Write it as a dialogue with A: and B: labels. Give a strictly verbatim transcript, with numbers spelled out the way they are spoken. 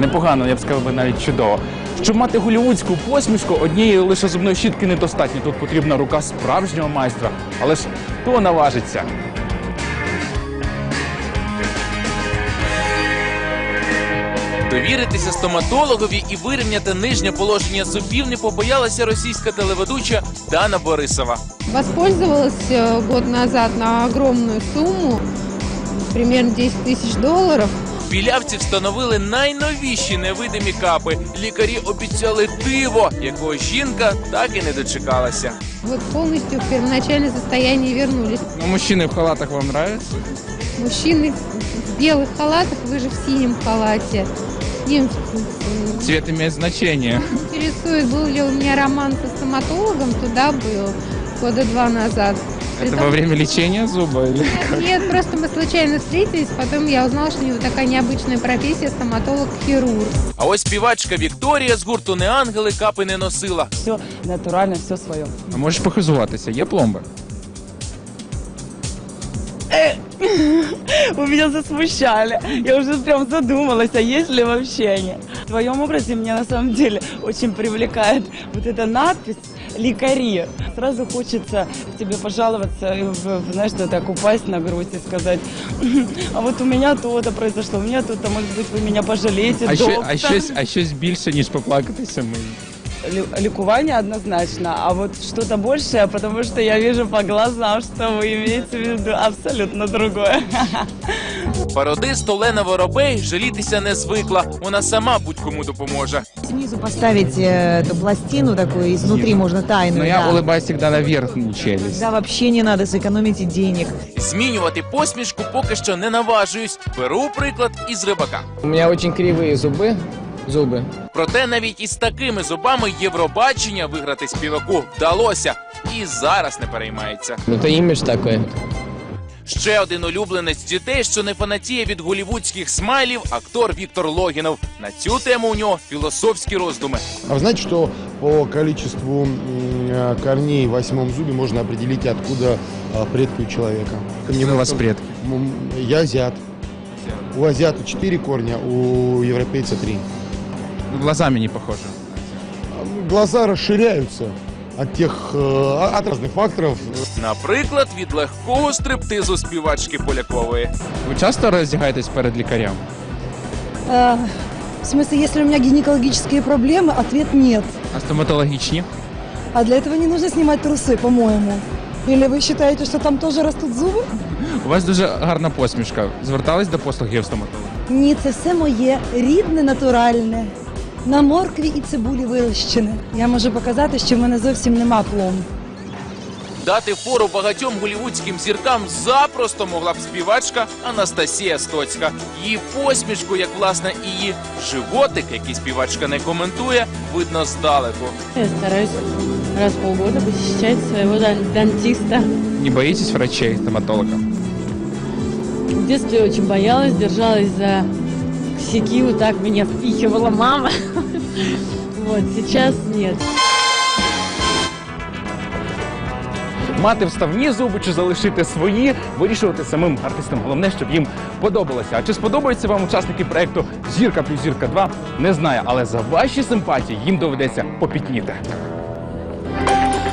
A: непогано, я б сказав, навіть чудово. Щоб мати голлівудську посмішку, однієї лише зубної щітки недостатньо. Тут потрібна рука справжнього майстра. Але ж хто наважиться?
B: Довіритися стоматологові і вирівняти нижнє положення зубів не побоялася російська телеведуча Дана Борисова.
C: Воспользовалась год назад на огромную сумму, примерно десять тысяч долларов.
B: Білявці встановили найновіші невидимі капи. Лікарі обіцяли диво, якого жінка так і не дочекалася.
C: Вот полностью в первоначальное состояние вернулись.
A: Ну, мужчины в халатах вам нравятся?
C: Мужчины в белых халатах, вы же в синем халате. Им
A: Цвет имеет значение.
C: интересует, был ли у меня роман со стоматологом, туда был года два назад.
A: Это во время лечения зуба? Или...
C: Нет, просто мы случайно встретились, потом я узнала, что у него такая необычная профессия — стоматолог-хирург.
B: А ось співачка Вікторія з гурту «Неангели» капи не носила.
D: Все натурально, все свое.
A: А можеш похизуватися? Є пломби?
D: Вы меня засмущали. Я уже прям задумалась, а есть ли вообще они. В твоем образе меня на самом деле очень привлекает вот эта надпись «Лекари». Сразу хочется к тебе пожаловаться, и, в, знаешь, что так упасть на грудь и сказать: а вот у меня то-то произошло, у меня то-то, может быть, вы меня пожалеете,
A: А, що,
D: доктор.
A: а, щось, а щось більше, ніж поплакатися ми.
D: Лю- Ликование однозначно, а вот что-то большее, потому что я вижу по глазам, что вы имеете в виду абсолютно другое.
B: Пародист Олена Воробей жалітися не звикла. Вона сама будь-кому допоможе.
E: Снизу поставить э, эту пластину такую, изнутри можно тайную.
A: Но я
E: да.
A: улыбаюсь всегда на верхнюю челюсть.
E: Да, вообще не надо, сэкономите денег.
B: Змінювати посмішку поки що не наважуюсь. Беру приклад із Рибака.
F: У меня очень кривые зубы, зубы.
B: Проте навіть із такими зубами Євробачення виграти співаку вдалося. І зараз не переймається.
F: Это имидж такой.
B: Ще один улюбленець дітей, що не фанатіє від голлівудських смайлів, актор Віктор Логінов. На цю тему у нього філософські роздуми.
G: А вы знаете, что по количеству м, корней в восьмом зубе можно определить, откуда а, предки у человека?
A: Какие у вас предки?
G: М, Я азиат. У азиата четыре корня, у европейца три.
A: Глазами не похоже.
G: Глаза расширяются от тех, э, от разных факторов.
B: Наприклад, від легкого стриптизу співачки Полякової.
A: Ви часто роздягаєтесь перед лікарем?
H: Э, В смысле, если у меня гинекологические проблемы, ответ нет.
A: А стоматологічні?
H: А для этого не нужно снимать трусы, по-моему. Или вы считаете, что там тоже растут зубы?
A: У вас дуже гарна посмішка. Звертались до послугів стоматолога?
H: Ні, це все моє рідне, натуральне. На моркві і цибулі вирощене. Я можу показати, що в мене зовсім нема пломб.
B: Дати фору багатьом голлівудським зіркам запросто могла б співачка Анастасія Стоцька. Її посмішку, як власне і її животик, який співачка не коментує, видно здалеку.
I: Я стараюсь раз в полгода посещать своего дан- дантиста.
A: Не боїтесь врачей, стоматолога?
I: В детстве очень боялась, держалась за косяки, вот так меня впихивала мама. Вот, сейчас нет.
A: Мати вставні зуби чи залишити свої, вирішувати самим артистам. Головне, щоб їм подобалося. А чи сподобаються вам учасники проєкту «Зірка плюс зірка два» – не знаю. Але за ваші симпатії їм доведеться попітніти.